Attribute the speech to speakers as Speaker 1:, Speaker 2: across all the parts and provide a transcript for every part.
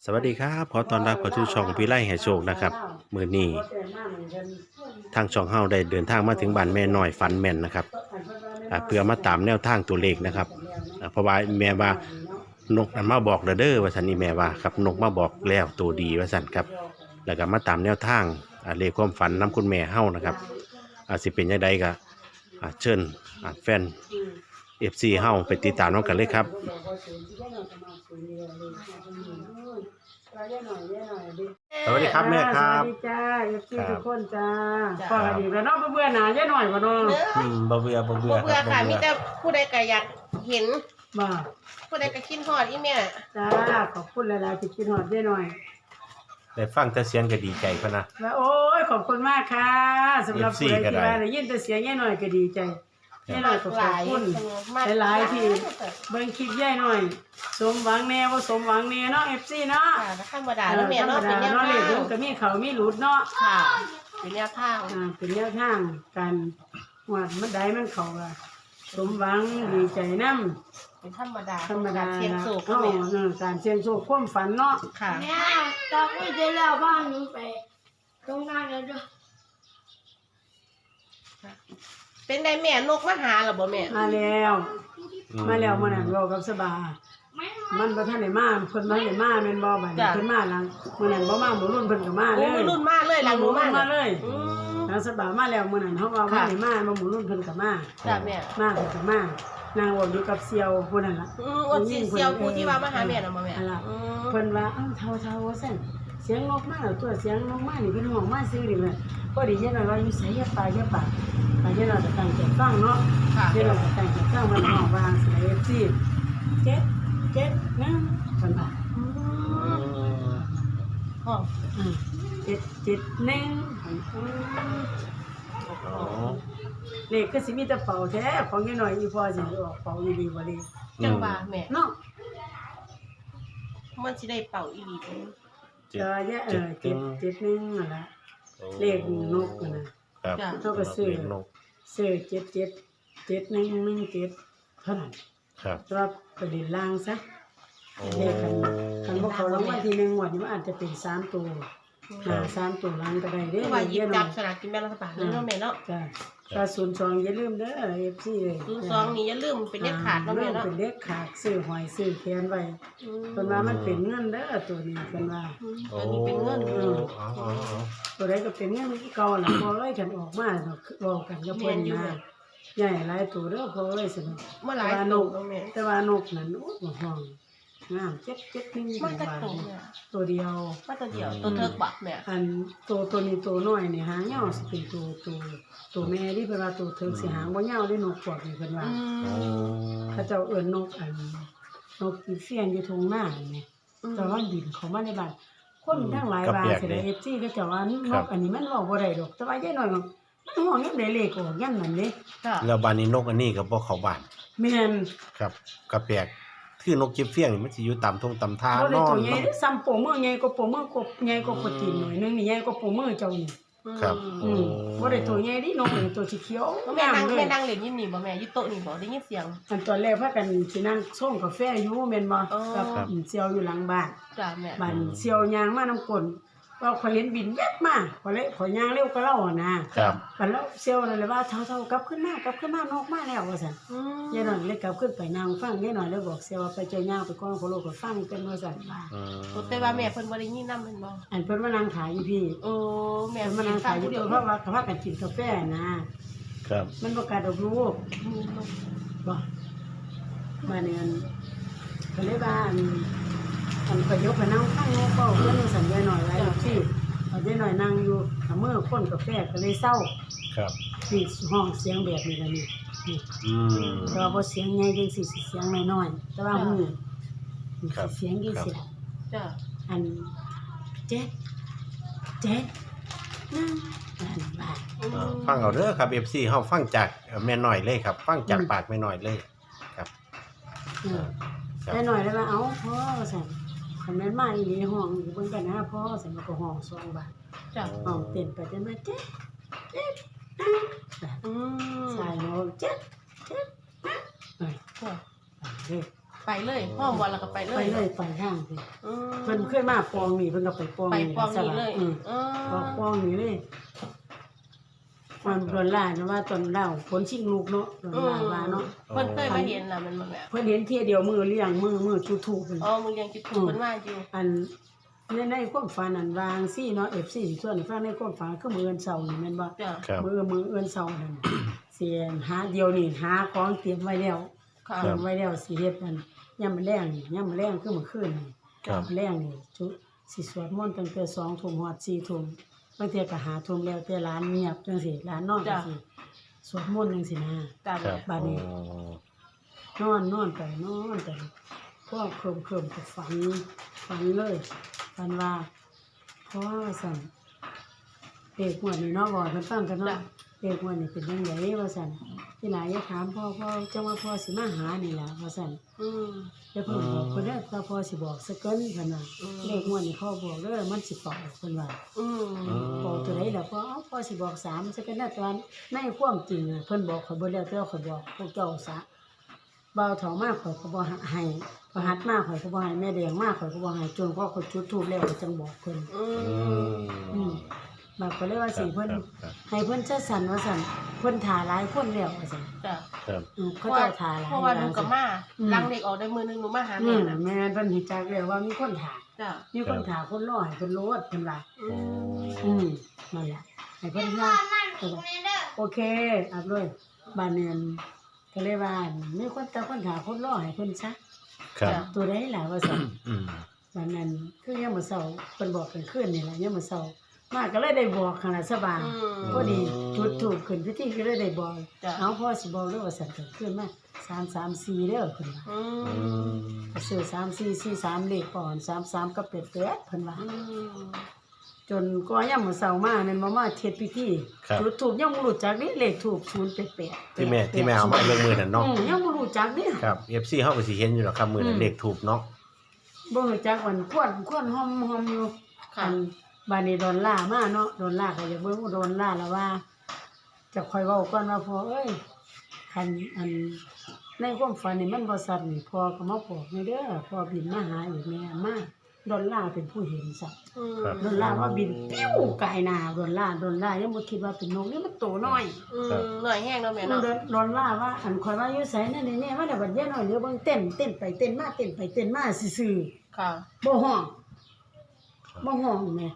Speaker 1: สวัสดีครับขอต้อนรับเข้าสู่ช่องพี่ไล่ให้โชคนะครับมื้อนี้ทางช่องเฮาได้เดินทางมาถึงบ้านแม่น้อยฝันแม่นนะครับเพื่อมาตามแนวทางตัวเลขนะครับเพราะว่าแม่ว่านกมันมาบอกเด้อว่าซั่นนี่แม่ว่าครับนกมาบอกแล้วตัวดีว่าซั่นครับแล้วก็มาตามแนวทางเลขความฝันนํคุณแม่เฮานะครับสิเป็นจังไดก็เชิญแฟน FC เฮาไปติดตามน้องกันเลยครับสวัสดีครับแม่ครับ
Speaker 2: สวัสดีจ้าเอฟซีทุกคนจ้าพอกันอีกแล้วเนาะเบื่อหนาเยอะหน่อยบ่เนาะ
Speaker 1: บ่เบื่อ
Speaker 3: ค่ะมีแต่ผู้ใดก็อยากเห็น
Speaker 2: บ่
Speaker 3: ผู้ใดก็คิดฮอดอีแม่
Speaker 2: จ้าขอบคุณหลายๆที่คิดฮอดเยอะหน่อย
Speaker 1: ได้ฟังแต่เสียงก็ดีใจพะนะ
Speaker 2: แล้วโอ้ยขอบคุณมากค่ะสำหรับผู้ใดที่ว่าได้ยินแต่เสียงเยอะหน่อยก็ดีใจเยอะหน่อยก็ขอบคุณหลายๆที่เบิ่งคลิปเยอะหน่อยสมหวังแน่บ่สมหวังแน่เนาะ FC เนาะ
Speaker 3: ธรรมดาแล้วแม่เนาะเป็นแนวทาง
Speaker 2: เลขก็มีเขามีหลุดเนาะ
Speaker 3: ค่ะเป็นแนวทาง
Speaker 2: เป็นแนวทางการว่ามันได้มันเข้าล่ะสมหวังดีใจนำ
Speaker 3: เป็นธรรมดา
Speaker 2: เ
Speaker 3: สี่ยงโชค
Speaker 2: เนาะการเสี่ยงโชคความฝันเนาะ
Speaker 3: ค่ะ
Speaker 4: แม่ตอนนี้จะเล่าบ้านหนูไปตรงนั้นแล้วด้วย
Speaker 3: เป็นได้แม่นกมาหาหรอบ่แม่
Speaker 2: มาแล้วมื้อนั้นเว้ากับสบามันบ่ทันได้มาเพิ่นบ่ได้มาแม่นบ่บัดนี้เพิ่นมาหลังมื้อนั้นบ่มาหมู่รุ่นเพิ่นก็มาเลย
Speaker 3: หมู่รุ่นมาเลยหลังหนู
Speaker 2: มาเลยแล้วสบามาแล้วมื้อนั้นเฮาว่าบ่ได้มาหมู่รุ่นเพิ่นก็มา
Speaker 3: จ้ะแม่
Speaker 2: มาเพิ่นก็มานางอยู่กับเสี่ยวผู้นั้นล่ะ
Speaker 3: อดเสี่ยวผู้ที่ว่ามาหาแม่น่ะบ่แม่
Speaker 2: เพิ่นว่าเฒ่าว่าซั่นเสียงนกมาแล้วตัวเสียงนกมานี่เพิ่นห้องมาซื่อนี่แหละพอดีเย็นหน่อยว่าอยู่ไสอย่าปากเย็นหน่อยก็ตั้งใจฟังเนาะเย็นหน่อยก็ตั้งใจฟังมันห้องวางสิซี่7นะเพิ่นว่า
Speaker 3: ห้อง
Speaker 2: 771เลขก็สิมีแต่เป่าแท้ของเย็นหน่อยอีพอสิออกเป่าดีๆบ่เลย
Speaker 3: จังว่าแม่
Speaker 2: เนาะ
Speaker 3: มันสิได้เป่าอีหลีเ
Speaker 2: ด้771นั่นล่ะเลขนกนะครับเฮาก็ซื้อ777117เท่านั้น
Speaker 1: ครับ
Speaker 2: ก็ไปเล่นล่างซะเลขคันบ่เข้ารางวัลที่1งวดนี้มันอาจจะเป็น3ตัว3ตัวล่างก็ได้เด้อ
Speaker 3: ว่าหยิบจับสลากกินแบ่งรัฐบาลเนาะแม่เนาะ
Speaker 2: จ้ะถ้า02อย่าลืมเด้อ FC
Speaker 3: 02นี่อย่าลืมเป็นเลขขาดเนาะแม่เนาะ
Speaker 2: เป็นเลขขาดซื้อหอยซื้อแขนไว้เพิ่นว่ามันเป็นเงินเด้อตัวนี้เพิ่นว่า
Speaker 3: อันนี้เป็นเงิน
Speaker 2: ตัวใดก็เป็นเงินคือเก่าล่ะพอเลยกันออกมาเว้ากันกับเพิ่นนะใหญ่หลายตัวเด้อพอเลยสิ
Speaker 3: เมื่อหลายนก
Speaker 2: แต่ว่านกนั้นโอ้บ่ห้องงาม771
Speaker 3: มันก็
Speaker 2: ตัวเดียว
Speaker 3: ตัวเดียวตัวเทิกบักแม่
Speaker 2: อันตัวนี้ตัวน้อยนี่หางยาวสิเป็นตัวแม่ที่เพิ่นว่าตัวเทิกสิหางบ่ยาวได้นกพวกนี้เพิ่นว่าเขาเจ้าเอิ้นนกนกอีเฟียนอยู่ทุ่งนานี่แต่ว่าบินเข้ามาในบ้านคนทั้งหลายว่าสิได้ FC เขาเจ้าว่านกอันนี้มันเว้าบ่ได้ดอกแต่ว่ายายน้อยมันห้องยังได้เลขออกยันนั่นเด้
Speaker 1: แล้วบ้านนี้นกอันนี้ก็บ่เข้าบ้าน
Speaker 2: แม่น
Speaker 1: ครับก็แปลกคือนกจิบเฟี้ยงนี่มันสิอยู่ตามทงตามทาง
Speaker 2: นอนซ้ำโปมือใหญ่กว่าโปมือกบใหญ่กว่าปตีนหน่อยนึงนี่ใหญ่กว่าโปมือเจ้านี่
Speaker 1: ครับ
Speaker 2: บ่ได้ตัวใหญ่ดินกนี่ตัวสีเขียว
Speaker 3: แม่นั่งเล่นยินนี่บ่แม่อยู่โต๊ะนี่บ่ได้ยินเสียง
Speaker 2: อันตอนแรกพากันสินั่งส่งกาแฟอยู่แม่นบ่กับเสี่ยวอยู่หลังบ้าน
Speaker 3: จ้ะแม่
Speaker 2: บ้านเสี่ยวยางมานำก้นว่าข่อยเห็นบินแวบมาข่อยย่างเร็วกว่าเรานะครับบัดแล้วเสี่ยวนั่นเลยว่าเท่าๆกลับขึ้นมานกมาแล้วว่าซั่นยายน้อยเลยกลับขึ้นไปนั่งฟังยายน้อยเลยบอกเสี่ยวว่าไปเจ้าย่างไปก่อนขอโลกก็ฟังกันว่าซั่นว่า
Speaker 3: แต่ว่าแม่เพิ่นบ่ได้ยินนำแม่นบ่
Speaker 2: อันเพิ่นมานั่งขายอยู่พี่
Speaker 3: แม่
Speaker 2: มานั่งขายอยู่เพราะว่าเขาพากันกินกาแฟนะครับมันบ่กล้าดอกลูกบ่มาเนี่ยก็เลยว่าอันก็ยกไปนั่งข้างโน้ตเป้าเพื่อนสัญญาหน่อยไว้ที่เอาได้หน่อยนั่งอยู่เมื่อคนกาแฟก็เลยเศร้า
Speaker 1: ครับ
Speaker 2: นี่ห้องเสียงแบบนี้กันนี่แต่ว่าพอเสียงใหญ่จังสิเสียงน้อยๆแต่ว่าหูเสียงจังสิ
Speaker 3: จ้ะ
Speaker 2: อันเจ็ด
Speaker 1: ฟังเอาเด้อครับ FC เฮาฟังจากแม่น้อยเลยครับฟังจากปากแม่น้อยเลยครับ
Speaker 2: แม่น้อยแล้วว่าเอ้าพ่อสั่นคันแม่นมาอีหลีห้องอยู่เบิ่งกันนะพ่อสั่นมันก็ห้อง2บาท
Speaker 3: จ้ะ
Speaker 2: ห้องเต้นไปจนมาเจ๊ใช่เนาะเจ๊ไปเด้อ
Speaker 3: ไปเลยห้องบ่แล้วก็ไปเล
Speaker 2: ไป
Speaker 3: ย
Speaker 2: เลยไปทางสิ
Speaker 3: อืม
Speaker 2: เพิ่นเคยมาปองนี่เพิ่นก็ไปปอง
Speaker 3: ไปปองนี่เลย
Speaker 2: ปองนี่เลยมันโดนล่านะว่าตอนเล่าผลชิงลูกเนาะโดนล่าว่าเนาะ
Speaker 3: เพิ่นเคยมาเห็นน่ะมันบ่แม่
Speaker 2: เพิ่นเห็นเที่ยเดียวมือเลี้ยงมือจุดถูกเพิ่น
Speaker 3: อ๋อมึงยังจุดถูกเพิ่นว่าอยู่
Speaker 2: อันในความฝันอันวางซี่เนาะ FC สิส่วนฟังในความฝันคือมื้อเอิ้นเช้านี่แม่นบ่
Speaker 3: จ้ะ
Speaker 1: ครับ
Speaker 2: มื้อเอิ้นเช้านั่นสิหาเดียวนี่หาของเตรียมไว้แล้ว
Speaker 3: ค่ะ
Speaker 2: เตรียมไว้แล้วสิเฮ็ดมันยามมื้อแลงนี่ยามมื้อแลงคือมื้อคืนนี่
Speaker 1: ครับ
Speaker 2: แรงนี่จุสิสวดมนต์ตั้งแต่2 ทุ่มฮอด4 ทุ่มบางเทื่อก็5 ทุ่มแล้วแต่ร้านเงียบจังซี่ร้านนอนจังซี่สวดมนต์จังซี่นะ
Speaker 3: จ้ะ
Speaker 1: ครั
Speaker 3: แม่
Speaker 1: บ
Speaker 2: บัดนี้ นอนไปพวกเคลิ้มๆก็ฝันเลยฝันว่าพ่อสั่นเด็กหัวนี่เนาะบ่เพิ่นฟังกันเนาะเด็กหัวนี่เป็นจังไดว่าสั่นที่หลายอย่าถามพ่อจังว่าพ่อสิมาหานี่ล่ะว่าสั่น
Speaker 3: อืม
Speaker 2: แล้วเพิ่นบอกเพิ่นได้ถ้าพ่อสิบอกสักเกินเพิ่นว่า
Speaker 3: อืม
Speaker 2: เลขหัวนี่พ่อบอกเด้อมันสิเป่าเพิ่นว่า
Speaker 3: อืม
Speaker 2: บอกตัวไหนล่ะพ่อเอ้าพ่อสิบอก3สักเกินนะตอนในความจริงอะเพิ่นบอกข่อยบ่แล้วแต่ว่าข่อยบอกพวกเจ้าซะเบาเฒ่ามาข่อยก็บ่ให้พอหัดมาข่อยก็บ่ให้แม่แดงมาข่อยก็บ่ให้จนพ่อข่อยจุดธูปแล้วก็จังบอกเพิ่น
Speaker 3: อื
Speaker 1: อื
Speaker 3: ม
Speaker 1: ม
Speaker 2: บัดก็เลยว่าสิเพิ่น
Speaker 1: ครับ
Speaker 2: ให้เพิ่นจัดสรรว่าซั่นเพิ่นถ่าหลายคนแล้วว่าซั่น
Speaker 3: จ้ะ
Speaker 1: ครับ
Speaker 2: เขาเจ้าถ่าหลาย
Speaker 3: เพราะว่าหนูกับมา
Speaker 2: อืม
Speaker 3: ลังเด็กออกได้มือนึงหนูมาหา
Speaker 2: อื
Speaker 3: แม่
Speaker 2: ม
Speaker 3: น่ะ
Speaker 2: แม่เพิ่นเฮ็ดจักแล้วว่ามีคนถ่า
Speaker 3: จ้ะ
Speaker 2: มีคนถ่าคนรอให้เพิ่นโลดเพิ่นว่า
Speaker 3: อืม
Speaker 2: นั่นแหละให้เพิ่นว่าโอเคอับเลยบ้านเนียนก็เลยว่ามีคนตาคนถ่าคนรอให้เพิ่นซะ
Speaker 1: ครับ
Speaker 2: ตัวใดล่ะว่าซั่น
Speaker 1: อืม
Speaker 2: บ้านนั้นคือยามมื้อเช้าเพิ่นบอกกันคืนนี่ล่ะยามมื้อเช้ามาก็เลยได้บอกขนาดสบาย
Speaker 3: อืม
Speaker 2: พอดีจุดถูกขึ้นพิธีก็เลยได้บอก
Speaker 3: จ้ะ
Speaker 2: เอาพ่อสิบอกเด้อว่าซั่นก็ขึ้นมา334เด้อเพิ่นว่า
Speaker 3: อื
Speaker 1: อื
Speaker 3: ม
Speaker 1: ม
Speaker 2: ก็ซื้อ3443เลขก่อน33กับ88เพิ่นว่า
Speaker 3: อืม
Speaker 2: จนก็ยามมื้อเช้ามาแม่นบ่มาเฮ็ดพิธี
Speaker 1: ครับ
Speaker 2: จุดถูกยังบ่รู้จักนี่เลขถูก088
Speaker 1: ที่แม่เอามาเรื่องมือนั่นเนาะ
Speaker 2: ยังบ่รู้จักนี่
Speaker 1: ครับ FC เฮาก็สิเห็นอยู่หรอกครับมือนั้นเลขถูกเนาะ
Speaker 2: บ่รู้จักมันควรหอมอยู่
Speaker 3: ค่ะ
Speaker 2: อันบัดนี้ดอนล่ามาเนาะดอนล่าก็อยากเบิ่งว่าดอนล่าแล้วว่าจะค่อยเว้าก่อนว่าพ่อเอ้ยคันอันในความฝันนี่มันบ่ชัดนี่พ่อก็มาบอกนี่เด้อพ่อบินมาหาอีกแม่มาดอนล่าเป็นผู้เห็นซะ
Speaker 3: อืม
Speaker 2: ดอนล่าว่าบินปิ้วไกลหน้าดอนล่ายังบ่คิดว่าเป็นนกนี่มันโตน้อย
Speaker 3: อืมหน่อยแห้งเนาะแม่
Speaker 2: มัน
Speaker 3: เนาะ
Speaker 2: ดอนล่าว่าอันข่อยว่าอยู่ไสนั่นนี่ว่าแต่บัดเย็นน้อยเดี๋ยวเบิ่งเต้นไปเต้นมาซื่อ
Speaker 3: ค่ะ
Speaker 2: ๆบ่ฮ้องแม่
Speaker 3: บ่ห้องเนาะ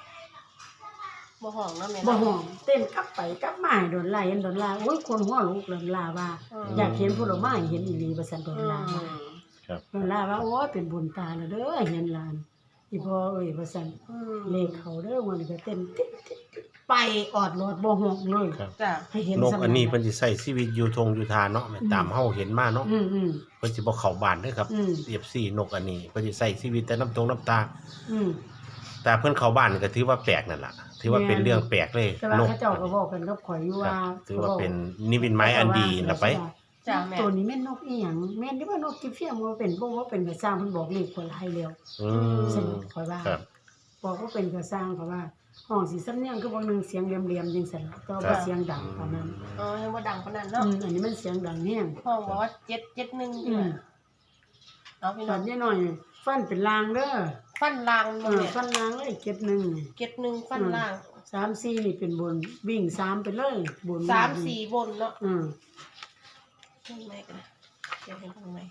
Speaker 3: แม่
Speaker 2: บ่
Speaker 3: เนาะ
Speaker 2: ห้องเต้นกลับไปกลับมาให้ดอนล่าเห็นดอนล่าโอ้ยคนหัวลุกดอนล่าว่า อยากเห็นผลไม้เห็นอีหลีว่าซั่นดอนล่าว่า
Speaker 1: ครับ
Speaker 2: ดอนล่าว่าโอ้ยเป็นบุญตาแล้วเด้อเห็นหลานอีพ่อเอ้ยว่าซั่น
Speaker 3: อืม
Speaker 2: เลขเขาเด้อวันนี้ก็เต้นติ๊ดไปออดรถบ่ฮ้องเลย
Speaker 1: ครับ
Speaker 3: จ้ะ
Speaker 2: ให้เห็น
Speaker 1: นก
Speaker 2: ซ้ำ
Speaker 1: อันนี้เพิ่นสิใช้ชีวิตอยู่ทงอยู่ทานเนาะแม่ตามเฮาเห็นมาเนาะ
Speaker 2: อืม
Speaker 1: เพิ่นสิบ่เข้าบ้านเด้อครับ
Speaker 2: อืม
Speaker 1: FC นกอันนี้เพิ่นสิใช้ชีวิตแต่น้ำตา
Speaker 2: อืม
Speaker 1: แต่เพิ่นเข้าบ้านก็ถือว่าแปลกนั่นล่ะถือว่าเป็นเรื่องแปลกเลย
Speaker 2: แต่ว่าน
Speaker 1: ก
Speaker 2: เขาเจ้าก็บอกกันกับข่อยอยู่
Speaker 1: ครั
Speaker 2: ว่า
Speaker 1: บถือว่าเป็นนิมิตหมายอันดีนะไป
Speaker 3: จ้ะแม่
Speaker 2: ตัวนี้แม่นนกอีหยังแม่นที่ว่านกกิเฟียมบ่เป็นบ่ว่าเป็นกระสร้างเพิ่นบอกเลขคนหลายแล้ว
Speaker 1: อืม
Speaker 2: ซึ่งข่อยว่า
Speaker 1: ครับ
Speaker 2: บอกว่าเป็นกระสร้างเพราะว่าห้องสิสำเนียงคือบ่นึงเสียงเหลี่ยมๆจังซั่นล่ะก็บ่เสียงดังปานนั้น
Speaker 3: เออยังบ่ดังปานนั้นเนาะ
Speaker 2: อันนี้มันเสียงดังแฮง
Speaker 3: ห้องบอกว่า771อยู่น่ะเอาพี่
Speaker 2: ต
Speaker 3: น้
Speaker 2: อ
Speaker 3: อน ง
Speaker 2: นี้หน่อยฟันเป็นลางเด้อ
Speaker 3: ฟันลางบ่แม่
Speaker 2: ฟันลางเลยเก็บหนึ่ง
Speaker 3: 71ฟันลาง
Speaker 2: 3-4นี่เป็นบนวิ่ง3ไปเลยบน
Speaker 3: 3-4บนเนาะ
Speaker 2: อืม
Speaker 3: ข้างในกันนะเดี๋ยวเห็นข้างใน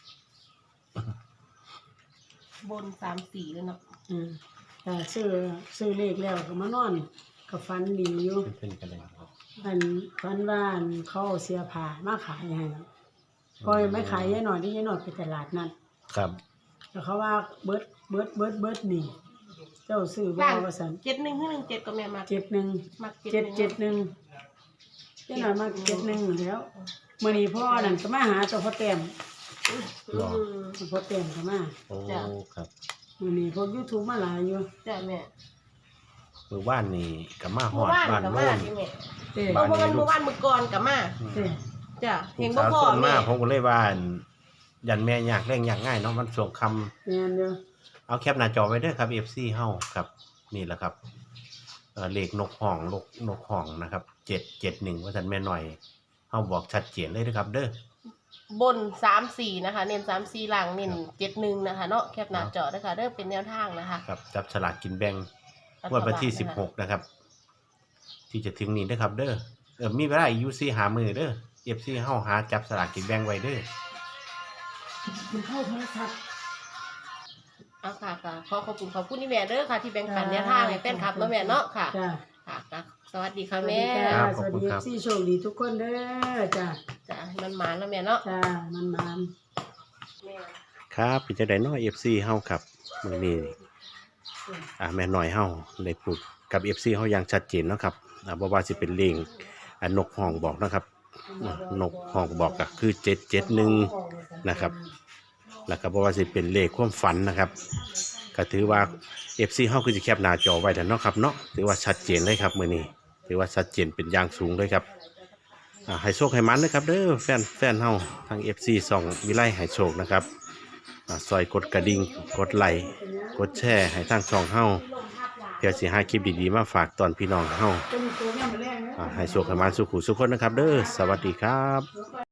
Speaker 3: บน3-4เลยเนาะ
Speaker 2: อืมแต่ซื้อเลขแล้วก็มานอนก็ฟันดีอยู่
Speaker 1: เป็นกันเลยครับ
Speaker 2: อันฟันว่าอันเขาเอาเสียผ้ามาขายให้พอยไม่ขายยายหน่อยที่ยายหน่อยไปตลาดนัด
Speaker 1: ครับ
Speaker 2: แล้วเขาว่าเบิดนี่เจ้าซื้อบ่ว่าซั่น
Speaker 3: 71คือ17ก็แม่มา
Speaker 2: 71
Speaker 3: มัก
Speaker 2: 771ยายหน่อยมา71แล้วมื้อนี้พ่อนั่นก็มาหาเจ้าพ่อแต้ม
Speaker 3: อืม
Speaker 2: พ่อแต้มก็มา
Speaker 1: โอ้
Speaker 3: จ้ะ
Speaker 1: ครับ
Speaker 2: มื้อนี้พวก YouTube มาหลายอยู่
Speaker 3: จ้ะแม่
Speaker 1: มือบ้านนี่ก็มาฮ
Speaker 3: เมื่
Speaker 1: อ
Speaker 3: อ
Speaker 1: ด
Speaker 3: วาน
Speaker 1: บ้าน
Speaker 3: ก็
Speaker 1: โน่
Speaker 3: มาน ที่แม่
Speaker 2: เด้
Speaker 1: บ้าน
Speaker 3: เมื่อวานมื้อก่อนก็มา
Speaker 2: เด้
Speaker 3: จ้ะ
Speaker 1: ลู
Speaker 3: เห็น
Speaker 1: ก
Speaker 3: บ่
Speaker 1: สาว
Speaker 3: พ่อ
Speaker 1: ส่วน
Speaker 3: แม่
Speaker 1: มากผมก็เลยว่าอั่นยันแม่ยากแรงยากง่ายเนาะมันช่วงคำ
Speaker 2: แม่นเด้อ
Speaker 1: เอาแคปหน้าจอไว้เด้อครับ FC เฮาครับนี่แหละครับเลขนกห้องนกห้องนะครับ771ว่าซั่นแม่หน่อยเฮาบอกชัดเจนเลยนะครับ เด้อ
Speaker 3: บน34นะคะเน้น34ล่างเน้น71นะคะเนาะแคปหน้าจอด้วยค่ะเด้อเป็นแนวทางนะคะ
Speaker 1: ครับจับฉลากกินแบ่งงวดวันที่16นะครับที่จะถึงนี้นะครับเด้อมีเวลาอยู่4หามื้อเด้อ FC เฮาหาจับฉลากกินแบ่งไว้เด้อ
Speaker 2: มันเข้าโทรศัพท์
Speaker 3: เอาค่ะขอบคุณนี่แม่เด้อค่ะที่แบ่งปันแนวทางให้แฟนคลับเนาะแม่เนาะค่ะ
Speaker 2: จ้า
Speaker 3: ค่ะสวัสดีค่ะแม่
Speaker 1: ครับ
Speaker 2: สวัสดี
Speaker 1: ขอบคุณครับ
Speaker 2: ซี่โชคดีทุกคนเด้อจ้า
Speaker 3: จ้ะมันหมานแล้วแม่เนาะ
Speaker 2: จ้ามัน
Speaker 3: แม่
Speaker 1: ครับเป็นจังได๋เนาะ FC เฮาครับมื้อนี้แม่น้อยเฮาได้พูดกับ FC เฮาอย่างชัดเจนเนาะครับบ่ว่าสิเป็นเลขนกห้องบอกนะครับนกห้องบอกก็คือ771นะครับ แล้วก็บ่ว่าสิเป็นเลขความฝันนะครับก็ถือว่า FC เฮาคือสิแคปหน้าจอไว้แล้วเนาะครับเนาะถือว่าชัดเจนเลยครับมื้อนี้ถือว่าชัดเจนเป็นอย่างสูงเลยครับให้โชคให้มันนะครับเด้อแฟนเฮาทาง FC ส่องวิไลให้โชคนะครับซอยกดกระดิ่งกดไลค์กดแชร์ให้ทางช่องเฮาเพื่อสิหาคลิปดีๆมาฝากตอนพี่น้องเฮา
Speaker 2: เป็นตัวแม่มาแรงนะ
Speaker 1: ให้โชคให้มันสุขุสุขคนนะครับเด้อสวัสดีครับ